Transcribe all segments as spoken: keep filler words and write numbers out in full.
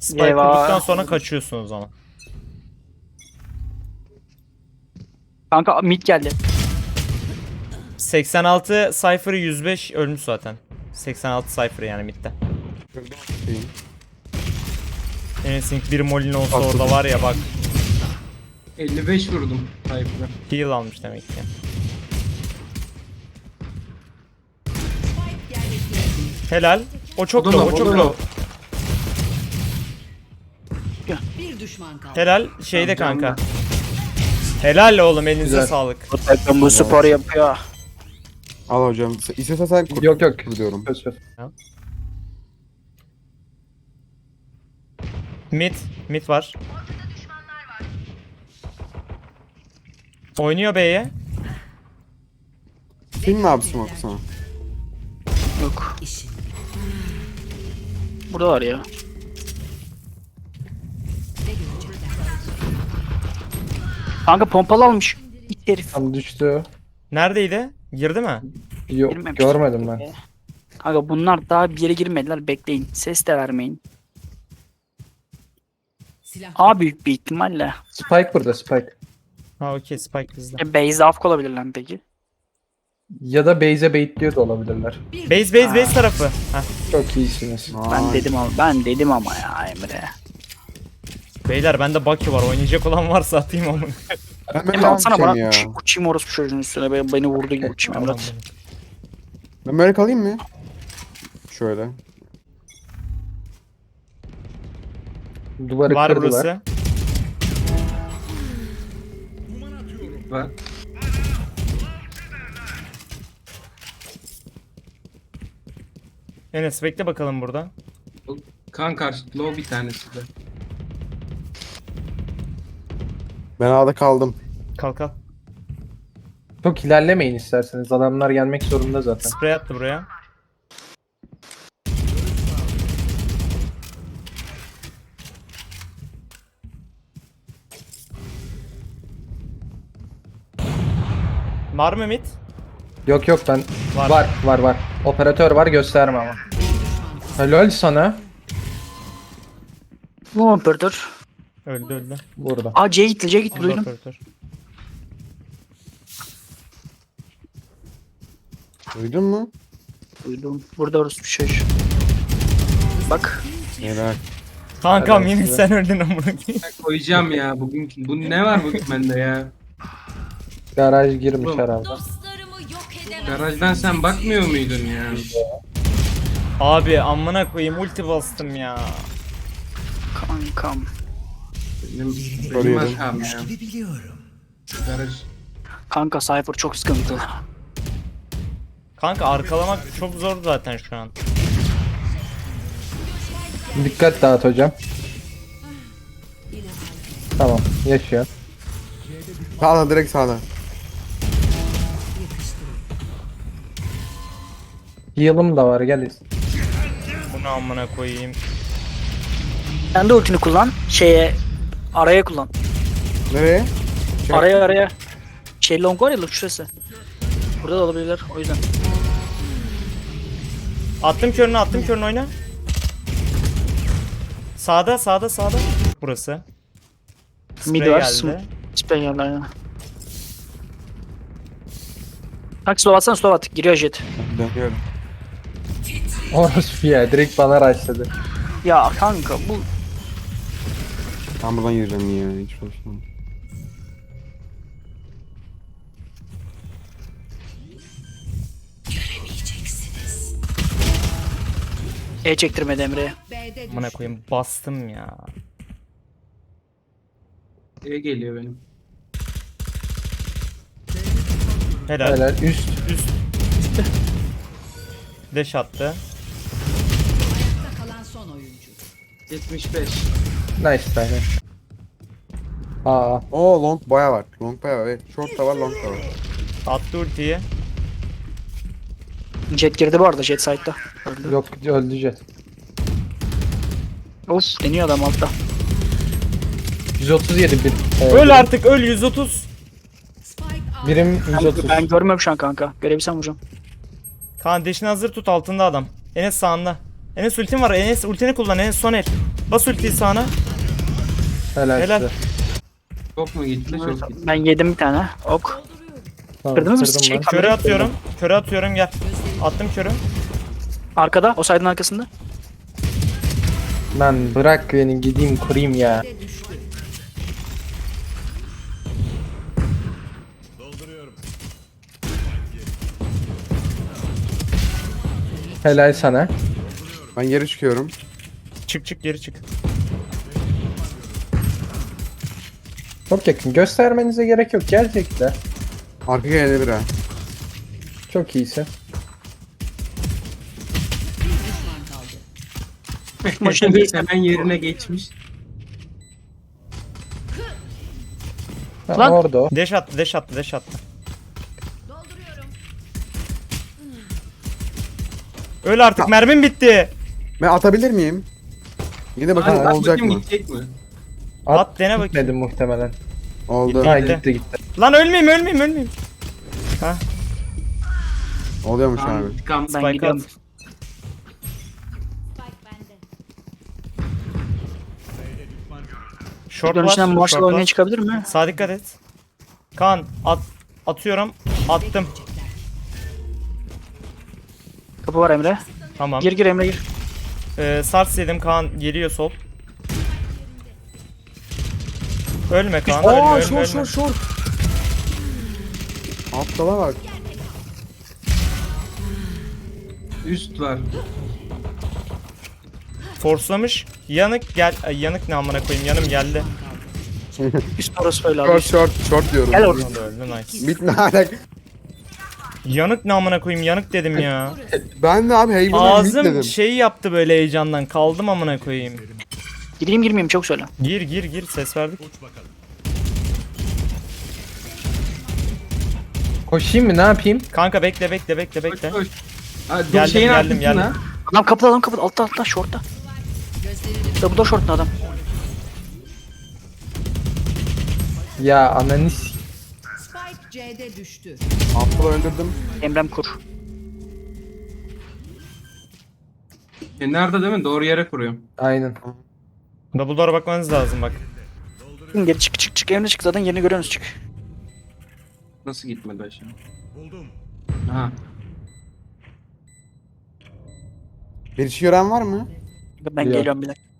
Spike Eyvah. kurduktan sonra kaçıyorsunuz ama. Kanka mid geldi. seksen altı Cypher yüz beş ölmüş zaten. seksen altı Cypher yani midde. Enes'in bir molin olsa Atladım. orada var ya bak. elli beş vurdum Cypher'a. Heal almış demek ki. Helal. O çok O da low, o low, çok o da low. Bir düşman kaldı. Helal şeyde Tamam, kanka. Helal oğlum elinize Güzel. sağlık. Bu takım bu spor yapıyor. Al hocam. İstesen sen kur. Yok yok. Kur diyorum. Söz söz. Mid, mid var. Oynuyor B'ye. Kim ne yapsın o sana? Yok. İşin. Burada var ya. Ne görecekler? Kanka pompalı almış. İt herif. Tam düştü. Neredeydi? Girdi mi? Yok Girmemiş. görmedim ben. Kanka bunlar daha bir yere girmediler. Bekleyin. Ses de vermeyin. Silah. A büyük bir ihtimalle. Spike burada Spike. Ha okey Spike bizde. E, Base'de afk olabilirler mi peki? Ya da base'e baitliyor da olabilirler. Bir Base base base tarafı. Heh. Çok iyisiniz. Ben Ay. dedim ama ben dedim ama ya Emre. Beyler bende Bucky var. Oynayacak olan varsa atayım ama. Ben Emre böyle atsana bana ya. uç, uçayım orospu çocuğun üstüne. Beni, beni vurdu gibi uçayım Tamam, Emre. Ben böyle kalayım mı? Şöyle. Duvarı var kırdılar. burası. Var. Enes bekle bakalım burada. Kan karşı low bir tanesi de. Ben A'da kaldım. Kalk kalk. Çok ilerlemeyin isterseniz. Adamlar gelmek zorunda zaten. Sprey attı buraya. Var mı mid? Yok yok ben Var. var var var. Operatör var gösterme ama. Helal sana. Bu operatör. Öldü öldü. Burada. Aa C'ye gitti C'ye gitti duydum. Operatör. Duydun mu? Duydum. Burada orospu çocuğu. Bak. Helal. Kankam Evet, yemin evet. sen öldün amına koyayım. Ben koyacağım ya bugün. Bu ne var bugün bende ya? Garaj girmiş Oğlum. herhalde. Dostlarımı yok edemez. Garajdan sen bakmıyor muydun ya? Abi amına koyayım ulti bastım ya. Kankam. Benim, benim Soruyorum. hatam ya. Garaj. Kanka Cypher çok sıkıntı. Kanka arkalamak çok zor zaten şu an. Dikkat dağıt hocam. Tamam yaşıyor. Sağda direkt sağda. Heal'ım da var gel. Bunu amına koyayım. Sen de ultini kullan. Şeye araya kullan. Nereye? Şey- Araya araya. Şey long var ya long şurası. Burada da olabilirler o yüzden. Attım körünü attım körünü oyna. Sağda sağda sağda. Burası. Mid Spray var. geldi. sm- Spray geldi aynen. Kanka slow atsana slow at. Giriyor jet. Dönüyorum. Orospu ya direkt bana rushladı. Ya kanka bu Ben buradan yürüyeceğim ya. Hiç hoşlanmam. E çektirmedi Emre'ye. B'de Amına düştü. koyayım bastım ya. E geliyor benim. Helal. Helal üst. Üst. Deş attı. Ayakta kalan son oyuncu. yetmiş beş. Nice tane. Aa Oo long baya var. Long baya var. Evet. Short da var long da var. Attı ultiyi. Jet girdi bu arada jet side'da. Öldü. yok öldü jet. Of deniyor adam altta. yüz otuz yedi bir. e, Öl artık öl yüz otuz. Spike A. Birim Ben, yüz otuz. ben görmüyorum şu an kanka. Görebilsem vuracağım. Kaan deşini hazır tut altında adam. Enes sağında. Enes ultin var. Enes ultini kullan. Enes son el. Bas ultiyi sağına. Helal, Helal. size. Çok mu gitti? Çok gitti. Ben yedim bir tane. Ok. Tamam, Kırdınız mı kırdım şey, ben. kamerayı? Körü atıyorum. Körü atıyorum gel. Attım körü. Arkada. O side'ın arkasında. Lan bırak beni gideyim kurayım ya. Helal sana. Ben geri çıkıyorum. Çık çık geri çık. Çok yakın. Göstermenize gerek yok. Gelecekler. Arka gelebilir ha. Çok iyisin. Maçın değil. Hemen yerine geçmiş. Ha, Lan. orada o. Deş attı deş attı deş attı. Öl artık mermim bitti. Ben atabilir miyim? Yine bakalım Hadi bak olacak bakayım mı? gidecek mi? At, dene bakayım. Gitmedi muhtemelen. Oldu. Ha Gitti. gitti gitti. Lan ölmeyeyim ölmeyeyim ölmeyeyim. Oluyormuş Tamam, abi. intikam. Ben Spike gidiyorum. at. Short Dönüşünden var. Marshall Short oynaya var. çıkabilir mi? Sağa dikkat et. Kaan at atıyorum. Attım. Kapı var Emre. Tamam. Gir gir Emre gir. Ee, sars yedim Kaan geliyor sol. Ölme Kaan ölme Aa ölme short ölme. short short. Aptala bak. Üst var. Forslamış. Yanık gel. Ay, yanık ne amına koyayım yanım geldi. Üst orası böyle abi. Short short short diyorum. Gel oraya. Öldü öldü nice. Bitme hala. Yanık ne amına koyayım yanık dedim ya. Ben de abi heyvanı bit Ağzım dedim. şey yaptı böyle heyecandan kaldım amına koyayım. Gireyim girmeyeyim çok söyle. Gir gir gir ses verdik. Koşayım mı ne yapayım? Kanka bekle bekle bekle Koş bekle. koş. Ha, dur, Geldim, şeyin geldim, arkasına. geldim. Adam kapıda adam kapıda. Altta altta shortta. Da bu da shortta adam. Ya ananı s- Spike C'de düştü. Aptalı öldürdüm. Emrem kur. E, nerede değil mi? Doğru yere kuruyorum. Aynen. Double door'a bakmanız lazım bak. Geri çık çık çık Emre çık zaten yerini görüyorsunuz çık. Nasıl gitmedi aşağı? Buldum. Ha. Bir işi gören var mı? Ben Yok. geliyorum bir dakika.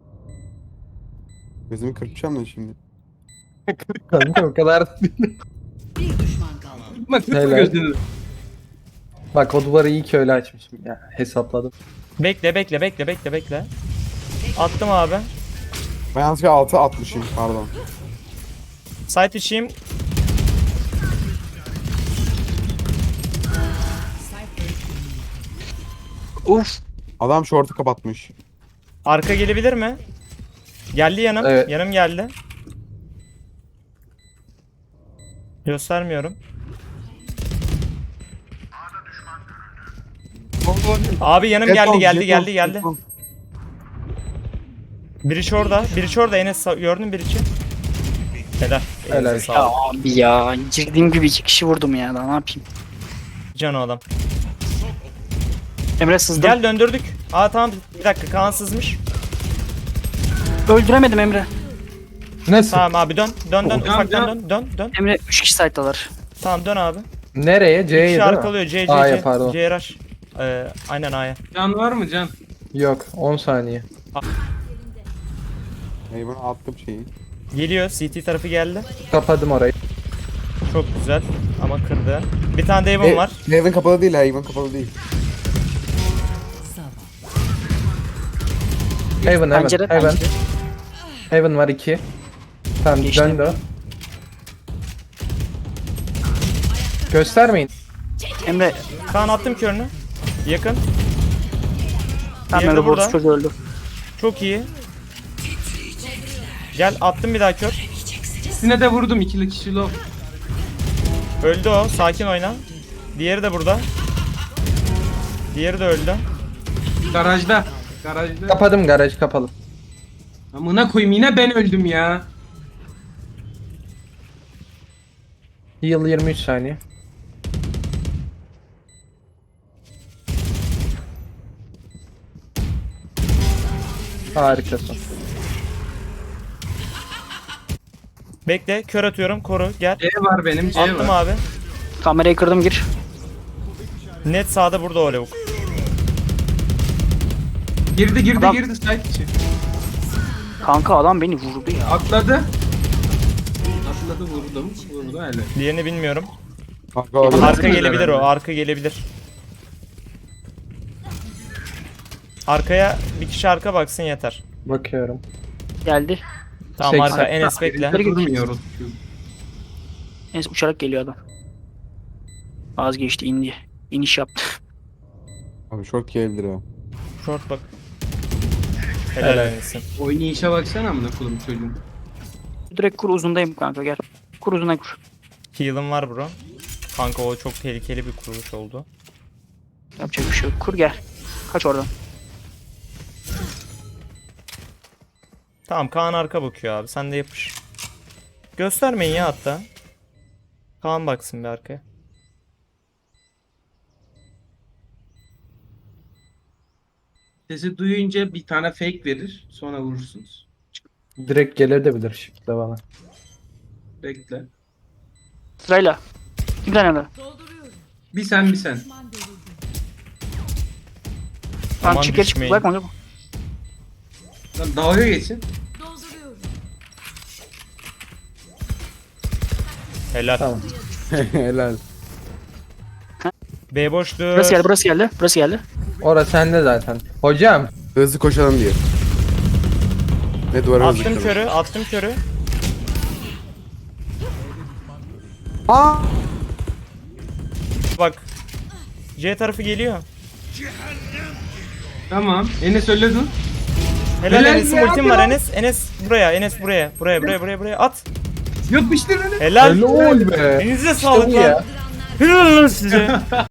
Gözümü kırpacağım da şimdi. Kanka o kadar. Bir düşman kaldı. Bak kırpma Helal. gözünü. Bak o duvarı iyi ki öyle açmışım ya. Hesapladım. Bekle bekle bekle bekle bekle. Attım abi. Ben yanlışlıkla altı atmışım pardon. Site içeyim. Uf. Adam short'u kapatmış. Arka gelebilir mi? Geldi yanım. Evet. Yanım geldi. Göstermiyorum. Abi yanım geldi Jeton, geldi jeton, geldi geldi. jeton. Biri şurada. Biri şurada Enes sa- gördün biri için. Helal. Helal. Elinize Ya sağlık. abi ya. Girdiğim gibi iki kişi vurdum ya. Daha ne yapayım? Can o adam. Emre sızdım. Gel döndürdük. Aa tamam bir dakika Kaan sızmış. Öldüremedim Emre. Nasıl? Tamam abi dön. Dön dön Can, ufaktan can. dön dön dön. Emre üç kişi site'dalar. Tamam dön abi. Nereye? C'ye İki değil mi? arkalıyor C C A'ya C. pardon. C R H. Ee, aynen A'ya. Can var mı Can? Yok on saniye. Heyvanı attım şeyi. Geliyor C T tarafı geldi. Kapadım orayı. Çok güzel ama kırdı. Bir tane de Evan E, var. Heyvan kapalı değil, heyvan kapalı değil. Heaven Heaven. Pencere Heaven. pencere. Heaven var iki. Tamam Geçti. döndü o. Göstermeyin. Emre. Kaan attım körünü. Yakın. Tam Diğeri de Emre burada. borç çocuğu öldü. Çok iyi. Gel attım bir daha kör. İkisine de vurdum. İkili kişi low. Öldü o. Sakin oyna. Diğeri de burada. Diğeri de öldü. Garajda. Garajda. Kapadım garaj kapalı. Amına koyayım yine ben öldüm ya. Heal yirmi üç saniye. Harikasın. Bekle, kör atıyorum, koru, gel. C var benim C Attım var. abi. Kamerayı kırdım gir. Net sağda burada o lavuk. Girdi girdi Adam- girdi site içi. Kanka adam beni vurdu ya. Atladı. Atladı vurdum. Vurdu öyle. Diğerini bilmiyorum. Kanka abi. Arka Bilmiyorum gelebilir o, herhalde. arka gelebilir. Arkaya bir kişi arka baksın yeter. Bakıyorum. Geldi. Tamam seksen. arka Enes bekle. Birinde durmuyoruz. Neyse uçarak geliyor adam. Vazgeçti indi. İniş yaptı. Abi short geldir ha. Short bak. Helal Helal. Enes'in. Oynayışa baksana amına koyayım çocuğum. Direkt kur uzundayım kanka gel. Kur uzuna kur. Heal'ım var bro. Kanka o çok tehlikeli bir kuruluş oldu. Yapacak bir şey yok. Kur gel. Kaç oradan. Tamam Kaan arka bakıyor abi, sen de yapış. Göstermeyin ya hatta. Kaan baksın bir arkaya. Sesi duyunca bir tane fake verir. Sonra vurursunuz. Direkt gelir de bilir shift'le bana. Bekle. Sırayla. Kim tane de? Bir sen bir sen. Tamam Aman çık geri çık. düşmeyin. Bırakma. bırakma. Lan dalga geçin. Helal. Tamam. Helal. B boştur. Burası geldi burası geldi. Burası geldi. Orası sende zaten. Hocam. Hızlı koşalım diye. Ne duvara hızlı Attım koşalım. körü, attım körü. Aa! Bak. C tarafı geliyor. Tamam. Enes öyle dur. Helal, Helal Enes'in ya, ultim var ya. Enes. Enes buraya, Enes buraya. Buraya, buraya, buraya, buraya. At. Yapıştır Enes. Helal. Helal be. Elinize İşte sağlık bu lan. ya. Helal lan size.